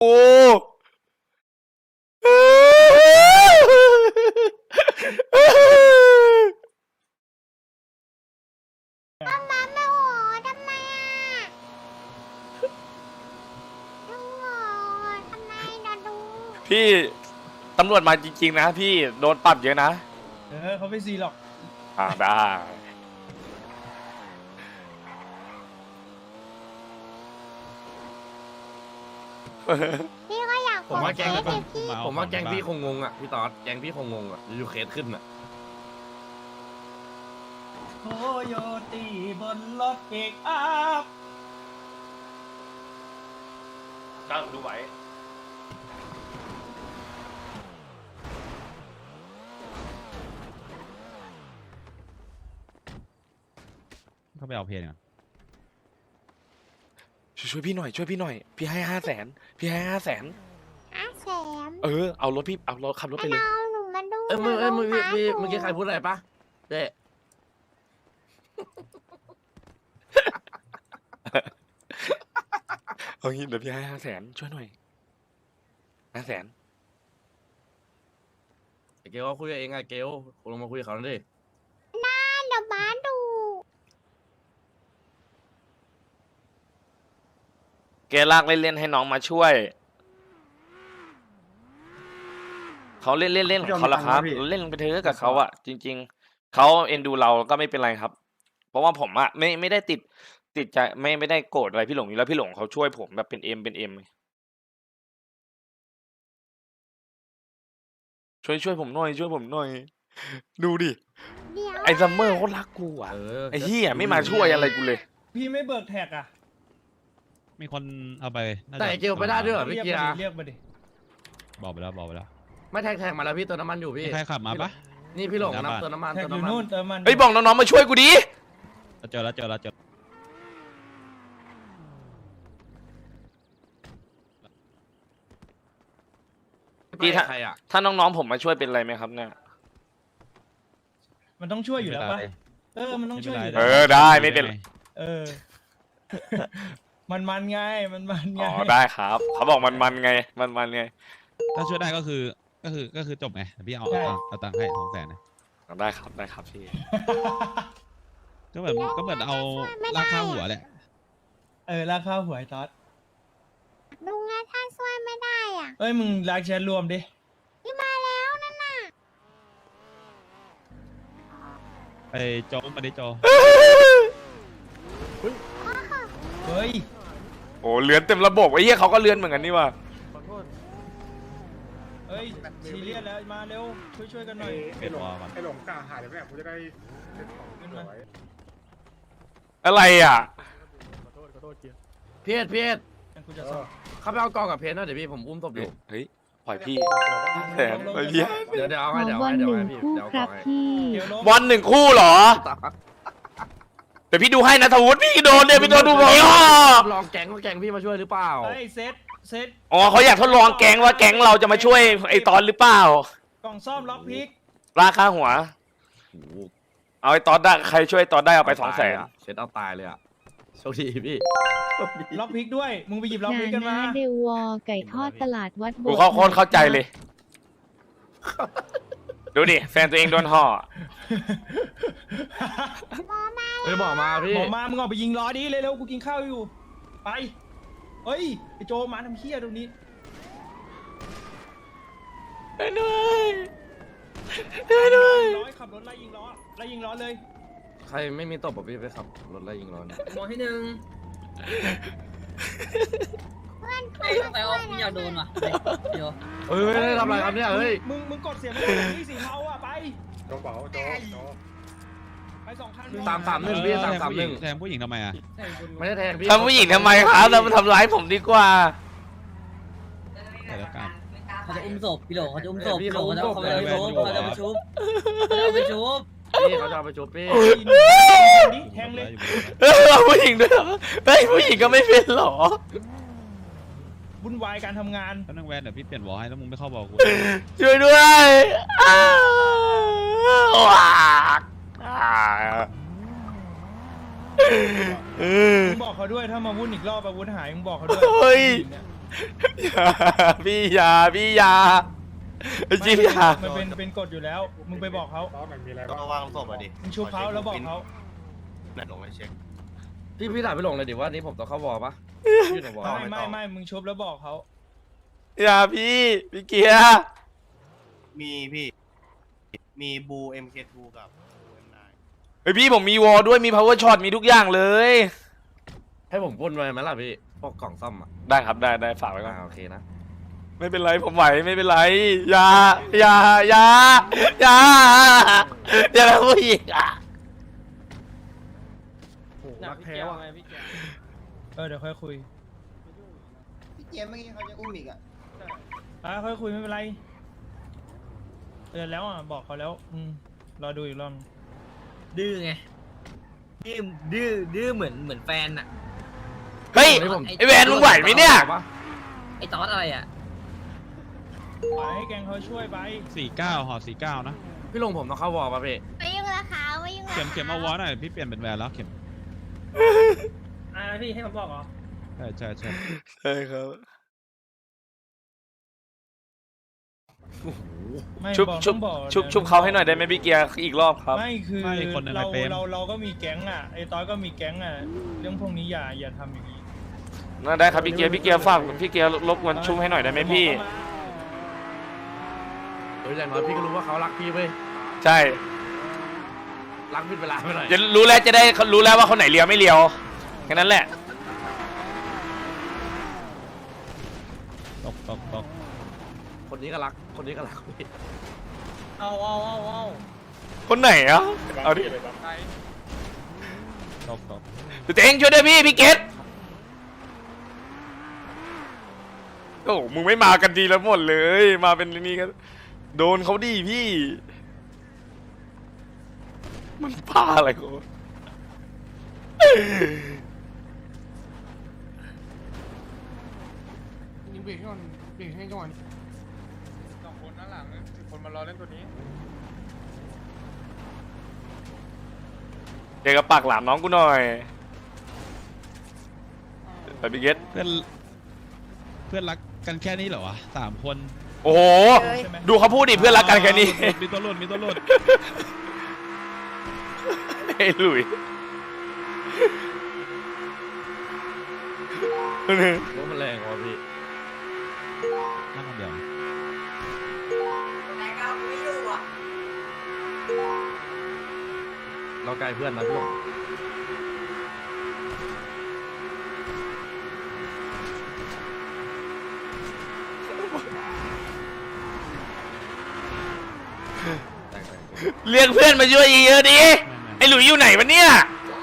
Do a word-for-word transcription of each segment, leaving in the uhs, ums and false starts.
โอ้ทำไมไม่โหทำไมอ่ะดูโหทำไมนะดูพี่ตำรวจมาจริงๆนะพี่โดนปรับเยอะนะเออเขาไม่ซีหรอกอ่าได้พี่ก็อยากผมว่าแกงเคสพี่ผมว่าแกงพี่คงงงอ่ะพี่ตอดแกงพี่คงงงอ่ะอยู่เคสขึ้นอ่ะโคโยตีบนรถเอกอัพตั้งดูไหวเขาไปเอาเพลงอ่ะช่วยพี่หน่อยช่วยพี่หน่อยพี่ให้ห้าแสนพี่ให้ห้าแสนอาแสมเออเอารถพี่เอารถขับรถไปเลยเอาหนูมาดูเอ้ยมึงเอ้ยมึงหนูมีดูเมื่อกี้ใครพูดอะไรปะเจ๊เอางี้เดี๋ยวพี่ให้ห้าแสนช่วยหน่อยห้าแสนเกลก็คุยกับเองอะเกลลงมาคุยกับเขาหน่อยดิน่าเดี๋ยวบ้าดูแกลากเล่นๆให้น้องมาช่วยเขาเล่นเล่นเล่นของเขาละครับเล่นไปเถอะกับเขาอะจริง ๆเขาเอ็นดูเราก็ไม่เป็นไรครับ เพราะว่าผมอะไม่ไม่ได้ติดติดใจไม่ไม่ได้โกรธอะไรพี่หลงอยู่แล้วพี่หลงเขาช่วยผมแบบเป็นเอ็มเป็นเอ็มช่วยช่วยผมหน่อยช่วยผมหน่อยดูดิเดี๋ยวไอ้ซัมเมอร์เขารักกูอะเออไอ้เหี้ยไม่มาช่วยอะไรกูเลยพี่ไม่เบิกแท็กอ่ะมีคนเอาไปน่าจะแต่เกลไม่ได้ด้วยเหรอเรีพี่ยกเกียมาร์ดิเรียกมาดิบอกไปแล้วบอกไปแล้วไม่แท็กแท็กมาแล้วพี่เติมน้ำมันอยู่พี่มีใครขับมาปะนี่พี่หลงหน้านะบ้านเติมน้ำมันแท็กเติมอยู่น้ำมันนู่นเติมมันเฮ้ยบอกน้องๆมาช่วยกูดิเจอแล้วเจอแล้วเจอพี่ถ้าใครอ่ะถ้าน้องๆผมมาช่วยเป็นไรไหมครับเนี่ยมันต้องช่วยอยู่แล้วปะเออมันต้องช่วยอยู่เออได้ไม่เป็นเออ มันมันไงมันมันไงอ๋อได้ครับเขาบอกมันมันไงมันมันไงถ้าช่วยได้ก็คือก็คือก็คือจบไงพี่เอาเอาเอาตังค์ให้สองแสนนะได้ครับได้ครับพี่ก็เหมือนก็เหมือนเอาราคาหัวแหละเออราคาหวยตอดดูไงถ้าช่วยไม่ได้อ่ะเอ้ยมึงรักแชทรวมดิพี่มาแล้วนั่นน่ะไปโจมมาดิโจเฮ้ยโอ้เลือนเต็มระบบไอ้เหี้ยเขาก็เลือนเหมือนกันนี่ว่ะขอโทษเฮ้ยซีเรียสแล้วมาเร็วช่วยช่วยกันหน่อยเปลี่ยนวอลก่อนไอ้หลงกล้าหายเลยไหมกูจะได้เซ็ตของขึ้นไว้อะไรอ่ะขอโทษขอโทษเกียร์เพียรเพียรงั้นกูจะสอบเข้าไปเอากองกับเพนหน่อยเดี๋ยวพี่ผมอุ้มศพอยู่เฮ้ยปล่อยพี่แสนปล่อยพี่เดี๋ยวเดี๋ยวเอาขให้อเดี๋ยวบอเอาลให้หเดี๋ยวนึ่เอางให้พี่คู่เดี๋ยวเอาคกรัอบ งให้พี่เดี๋ยวลงบอลหนึ่งคู่เหรอเดี๋ยวพี่ดูให้นะทวุฒิพี่โดนเนี่ยพี่โดนดูบอลลองแก๊งว่าแก๊งพี่มาช่วยหรือเปล่าเฮ้ยเซตเซตอ๋อเขาอยากทดลองแก๊งว่าแก๊งเราจะมาช่วยไอ้ตอนหรือเปล่ากล่องซ่อมล็อกพิกราคาหัวโอ้โหเอาไอ้ตอนได้ใครช่วยตอนได้เอาไปสองแสนเซ็ตเอาตายเลยอ่ะโชคดีพี่โชคดีล็อกพิกด้วยมึงไปหยิบล็อกนาพิกกันมานาเดวอไก่ทอดตลาดวัดโบกูสถ์เข้าโคตรเข้าใจเลย ดูดิแฟนตัวเองโดนห่อเฮ้ยบอกมาพี่บอกมามึงออกไปยิงล้อดิเร็วๆกูกินข้าวอยู่ ไป เฮ้ยไอโจมาทำเฮี้ยตรงนี้ได้ด้วยได้ด้วยร้อยขับรถไล่ยิงล้อไล่ยิงล้อเลยใครไม่มีตบบอกพี่ไปขับรถไล่ยิงร้อนหมอที่หนึ่งเพื่อนเอ้ยไปเอาคุณอยากโดนว่ะเดี๋ยวเฮ้ยไม่ได้ทำอะไรครับเนี่ยเฮ้ยมึงมึงกดเสียงไม่ได้ที่สีเทาอ่ะไปโจ๊กเป๋าโจ๊กโจ๊กไปสองคันสามสามหนึ่งพี่สามสามหนึ่งแทงผู้หญิงทำไมอ่ะใช่คุณไม่ได้แทงพี่ทำผู้หญิงทำไมครับเรามาทำร้ายผมดีกว่าแต่ละการเขาจะอุ้มศพพี่โหลเขาจะอุ้มศพพี่โหลเขาจะเขาจะไปชุบเขาจะไปชุบเขาจะไปชุบพี่เขาจะเอาไปชุบพี่ดิแทงเลยเออเอาผู้หญิงด้วยเหรอเฮ้ยผู้หญิงก็ไม่เป็นเหรอวุ่นวายการทำงานก็นั่งแวนเดี๋ยวพี่เปลี่ยนวอลให้แล้วมึงไม่เข้าบอกกูช่วยด้วยอ้าวว้ากอ้าวเออมึงบอกเขาด้วยถ้ามาวุ่นอีกรอบอาวุธหายมึงบอกเขาด้วยเฮ้ยอย่าพี่อย่าพี่อย่าจริงอย่ามันเป็นเป็นกฎอยู่แล้ว มึงไปบอกเขาตอนมันมีอะไรก็บ้างวางศพอ่ะดิมึงชุบเขาแล้วบอกเขานั่นลงไปเช็คพี่พี่ถามพี่หลงเลยดิว่านี่ผมต้องเข้าวอลปะอยู่ในวอลไม่ไม่ไม่มึงชุบแล้วบอกเขาอย่าพี่พี่เกียร์มีพี่ มีบู เอ็ม เค ทู กับบู เอ็ม ไนน์เฮ้ยพี่ผมมีวอลด้วยมี power shot มีทุกอย่างเลยให้ผมพ่นไปไหมล่ะพี่พวกกล่องซ่อมอ่ะได้ครับได้ได้ฝากไว้ก่อนอ่าโอเคนะไม่เป็นไรผมไหวไม่เป็นไรอย่าอย่าอย่าอย่าอย่าทำผู้หญิงอ่ะโอ้โหรักแท้ว่ะเออเดี๋ยวค่อยคุยพี่เจมเมื่อกี้เขาจะอุ้มอีกอ่ะอ่ะค่อยคุยไม่เป็นไรเตือนแล้วอ่ะบอกเขาแล้วอืมรอดูอีกรอบดื้อไงดื้อดื้อดื้อเหมือนเหมือนแฟนอะเฮ้ยวันนี้ผมไอแวนมึงไหวไหมเนี่ยไอ้ตอสอะไรอะปล่อยให้แกงเขาช่วยไปสี่เก้าห่อสี่เก้านะพี่หลงผมต้องเข้าวอลป่ะพี่ไม่ยุ่งละค่ะไม่ยุ่งละเข็มเข็มเอาวอลหน่อยพี่เปลี่ยนเป็นแวนแล้วเข็มอ่าพี่ให้ผมบอกเหรอใช่ใช่ใช่ใช่ครับไม่ชุบบอกชุบต้องบอกชุบชุบเขาให้หน่อยได้ไหมพี่เกียร์อีกรอบครับไม่คือเราเราเราก็มีแก๊งอ่ะไอ้ตอยก็มีแก๊งอ่ะเรื่องพวกนี้อย่าอย่าทำอย่างนี้น่าได้ครับพี่เกียร์พี่เกียร์ฝากพี่เกียร์รบกวนชุบให้หน่อยได้ไหมพี่โดยอย่างน้อยพี่ก็รู้ว่าเขารักพี่เว้ยใช่รักพี่เวลาไปหน่อยจะรู้แล้วจะได้รู้แล้วว่าคนไหนเลียวไม่เลียวแค่นั้นแหละตกตกตกคนนี้ก็รักคนนี้ก็รักพี่เอาเอาเอาเอาคนไหนอ่ะเอาดิตกตกเจ๊งช่วยด้วยพี่พี่เกตโอ้มึงไม่มากันดีแล้วหมดเลยมาเป็นนี่กันโดนเขาดีพี่ มันบ้าอะไรกูยิงเบรกให้ก่อนเบรกให้ก่อนสองคนด้านหลังสิบคนมารอเล่นตัวนี้เดี๋ยวก็ปากหลามน้องกูหน่อยไปพี่เกตเพื่อนเพื่อนรักกันแค่นี้เหรอวะสามคนโอ้โหดูเขาพูดดิเพื่อนรักกันแค่นี้มีตัวหลุดมีตัวหลุดไอ้หลุยรู้มันแรงกว่าพี่นั่งคนเดียวเราใกล้เพื่อนนะพี่หลงแต่งๆเรียกเพื่อนมาช่วยเยอะๆดิไอ้หลุยอยู่ไหนวะเนี่ย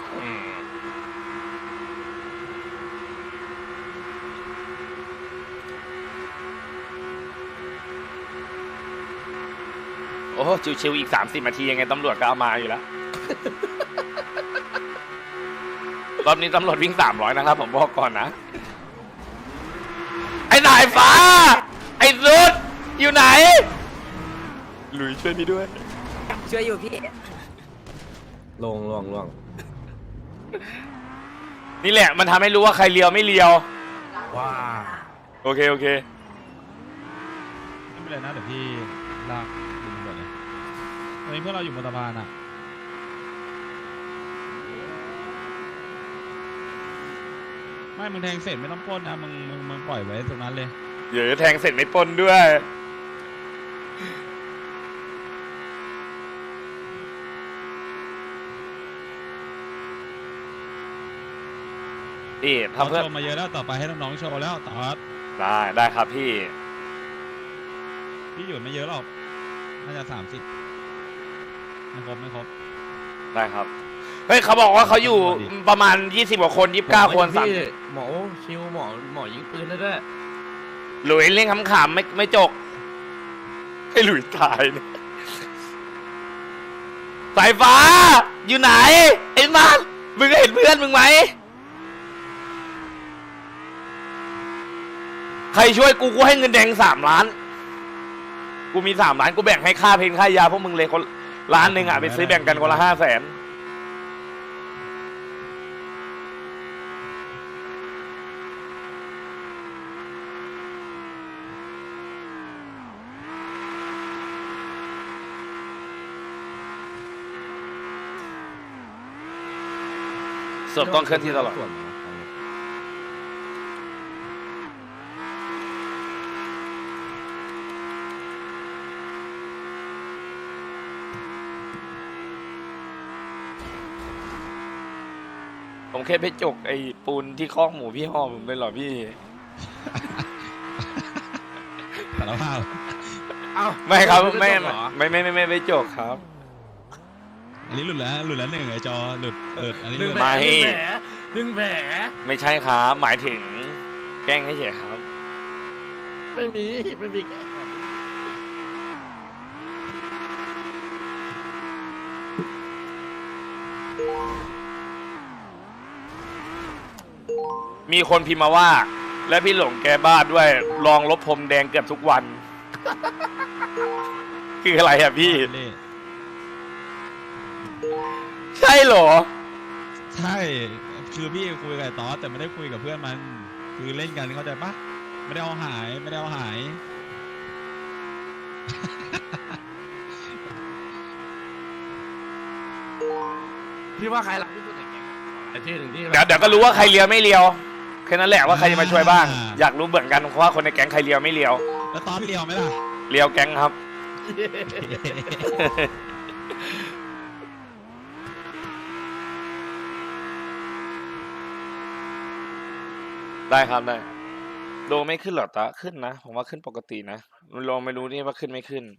โอ้ชิวๆอีกสามสิบนาทียังไงตำรวจก็เอามาอยู่แล้ว รอบนี้ตำรวจวิ่งสามร้อยนะครับผมบอกก่อนนะ ไอ้สายฟ้า ไอ้สุดอยู่ไหน หลุยช่วยพี่ด้วยช่วยอยู่พี่ลงลงลงนี่แหละมันทำให้รู้ว่าใครเลียวไม่เลียวว้าโอเค โอเคไม่เป็นไรนะเดี๋ยวพี่ลากดึงก่อนเลยตอนนี้เพื่อนเราอยู่บนสะพานอ่ะไม่มึงแทงเสร็จไม่ต้องปล้นนะมึงมึงมึงปล่อยไว้ตรงนั้นเลยเดี๋ยวแทงเสร็จไม่ปล้นด้วยนี่เราทำเพื่อโชว์มาเยอะแล้วต่อไปให้น้องๆโชว์แล้วต่อครับได้ได้ครับพี่พี่อยู่ไม่เยอะหรอกน่าจะสามสิบไม่ครบไม่ครบได้ครับ เฮ้ยเขาบอกว่าเขาอยู่ประมาณยี่สิบกว่าคนยี่สิบเก้าคนสามพี่หมอชิวหมอหมอยิงปืนได้ด้วยหลุยเล่นขำๆไม่ไม่จก ให้หลุยตายเนี่ยสายฟ้า อยู่ไหน ไอ้มันมึงเห็นเพื่อนมึงไหม ใครช่วยกูกูให้เงินแดงสามล้าน กูมีสามล้านกูแบ่งให้ค่าเพลงค่ายาพวกมึงเลยคนล้านหนึ่งอ่ะไปซื้อแบ่งกันคนละห้าแสนศพต้องเคลื่อนที่ตลอดส่วนผมแค่ไปจกไอ้ปูนที่คอกหมูพี่ห่อผมเลยเหรอพี่สารภาพเอ้าไม่ครับด้ไม่จบเหรอไม่ไม่ไม่ไม่ไม่จกครับอันนี้หลุดแล้วหลุดแล้วหนึ่งไอจอหลุดเอออันนี้หดึงลุดแผลไม่ดึงแผลดึงแผลไม่ใช่ครับ หมายถึงแกล้งให้เฉยครับไม่มีไม่มีแกมีคนพิมพ์มาว่า และพี่หลงแกบ้าด้วยลองลบพรมแดงเกือบทุกวัน คืออะไรอะพี่เล่ใช่เหรอใช่คือพี่คุยกับไอ้ตอสแต่ไม่ได้คุยกับเพื่อนมัน คือเล่นกันเข้าใจปะไม่ได้เอาหายไม่ได้เอาหายพี่ว่าใครหลักที่สุดในแก๊งไอ้ที่หนึ่งที่เดี๋ยวเดี๋ยวก็รู้ว่าใครเลียวไม่เลียวแค่นั้นแหละว่าใครจะมาช่วยบ้าง อยากรู้เหมือนกันว่าคนในแก๊งใครเลียวไม่เลียวแล้วตอสเลียวไหมล่ะเลียวแก๊งครับ ได้ครับได้โดไม่ขึ้นเหรอตาขึ้นนะผมว่าขึ้นปกตินะลองไม่รู้นี่ว่าขึ้นไม่ขึ้น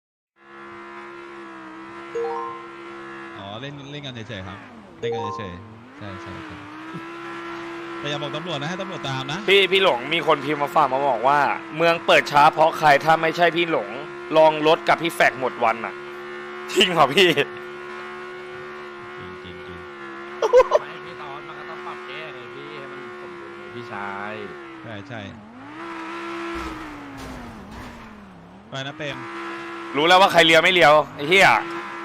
อ๋อเล่นเล่นกันเฉยๆครับเล่นกันเฉยๆใช่ใช่ใช่แต่อย่าบอกตำรวจนะให้ตำรวจตามนะพี่พี่หลงมีคนพิมพ์มาฝากมาบอกว่า เมืองเปิดช้าเพราะใครถ้าไม่ใช่พี่หลง ลองรถกับพี่แฟกหมดวันอ่ะจริงเหรอพี่จริงจริงจริงไม่พี่ตอนมันก็ต้องปรับแก้ไงพี่ให้มันสมดุลไงพี่ชายใช่ใช่ไปนะเปรมรู้แล้วว่าใครเลียวไม่เลียวไอ้เหี้ย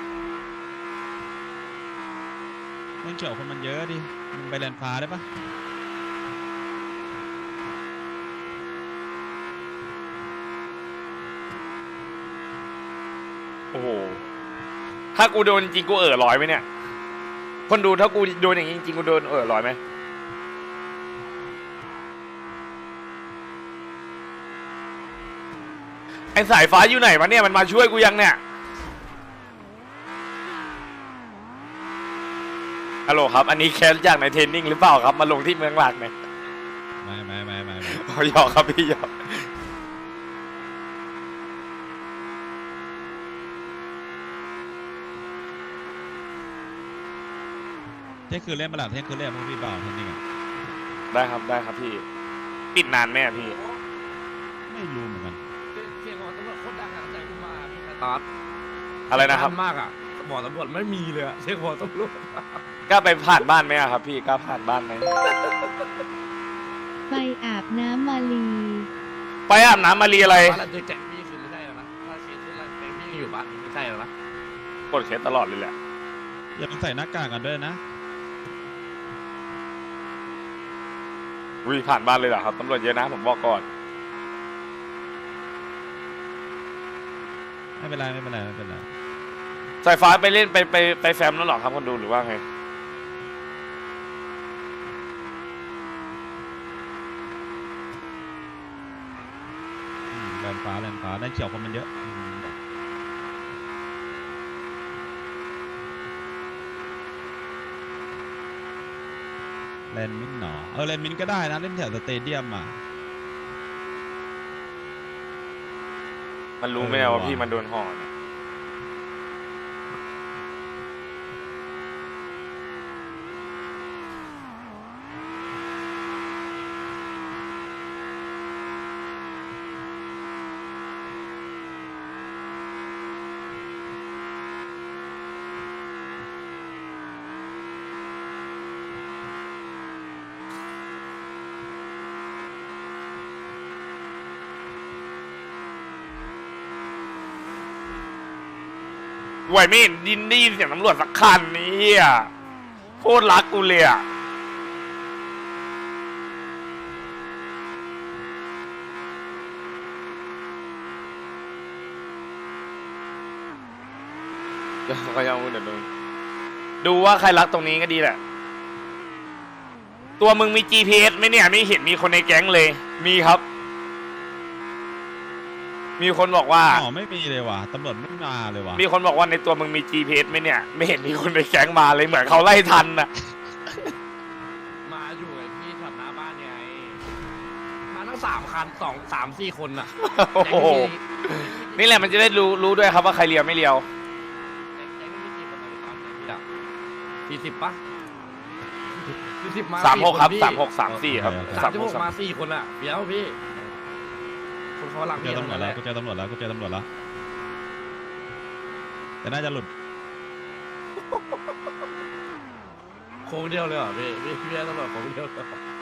เล่นเฉียวคนมันเยอะดิมึงไปแลนฟ้าได้ปะโอ้โหถ้ากูโดนจริงกูเออร้อยไหมเนี่ยคนดูถ้ากูโดนอย่างนี้จริงกูโดนเออร้อยไหมไอสายฟ้าอยู่ไหนวะเนี่ยมันมาช่วยกูยังเนี่ยฮัลโหลครับอันนี้แคสจากในเทรนนิ่งหรือเปล่าครับมาลงที่เมืองหลักเนี่ยไม่ไม่ไม่ไม่ไม่อ๋อหยอกครับพี่หยอกเที่ยงคืนเล่นมาหลับเที่ยงคืนเล่นพวกพี่เปล่าเทนนิงอ่ะได้ครับได้ครับพี่ปิดนานไหมอะพี่ไม่รู้เหมือนกันเสียงของตำรวจโคตรดังอะใจกูมาพี่ตอนอะไรนะครับมากอ่ะบอกตำรวจไม่มีเลยอะเสียงของตำรวจกล้าไปผ่านบ้านไหมอะครับพี่กล้าผ่านบ้านไหมไปอาบน้ำมาลีไปอาบน้ำมารีอะไรบ้านเราเจอแจ็คพี่คือไม่ใช่แล้วนะถ้าเคสที่เราแจ็คพี่ยังอยู่บ้านไม่ใช่แล้วนะกดเคสตลอดเลยแหละอย่าลืมใส่หน้ากากกันด้วยนะวิผ่านบ้านเลยเหรอครับตำรวจเยอะนะผมบอกก่อนไม่เป็นไรไม่เป็นไรไม่เป็นไรสายฟ้าไปเล่นไปไปไปแฟมแล้วเหรอครับคนดูหรือว่าไงอืมแลนฟ้าแลนฟ้าแลนเขียวคนมันเยอะอืมแลนมินหนอเออแลนมินก็ได้นะเล่นแถวสเตเดียมอ่ะมันรู้ไหมเออว่าว่ะพี่มันโดนห่อเนี่ย ไหวไม่เห็นดินได้ยินเสียงตำรวจสักคันนี้อ่ะโคตรรักกูเลยอ่ะเดี๋ยวก็ยังพูดเดี๋ยวดูดูว่าใครรักตรงนี้ก็ดีแหละตัวมึงมี จี พี เอส ไหมเนี่ยไม่เห็นมีคนในแก๊งเลย มีครับ มีคนบอกว่าอ๋อไม่มีเลยว่ะตำรวจไม่มาเลยว่ะมีคนบอกว่าในตัวมึงมี จี พี เอส ไหมเนี่ย ไม่เห็นมีคนในแก๊งมาเลยเหมือนเขาไล่ทันน่ะมาอยู่ไอ้พี่แถวหน้าบ้านไงมาทั้งสามคันสองสามสี่คนอ่ะโอ้โห นี่แหละมันจะได้รู้รู้ด้วยครับว่าใครเลียวไม่เลียวแก๊งแก๊งไม่กี่คนตอนนี้ตอนนี้อ่ะสี่สิบปะสี่สิบมาสามหกครับพี่สามหกสามสี่ครับสามสิบหกมาสี่คนอ่ะเดี๋ยวพี่คนเขาหลังกูเจอตำรวจแล้วกูเจอตำรวจแล้วกูเจอตำรวจแล้วแต่น่าจะหลุดโค้งเดียวเลยเหรอพี่พี่พี่ตำรวจโค้งเดียวเลยเหรอ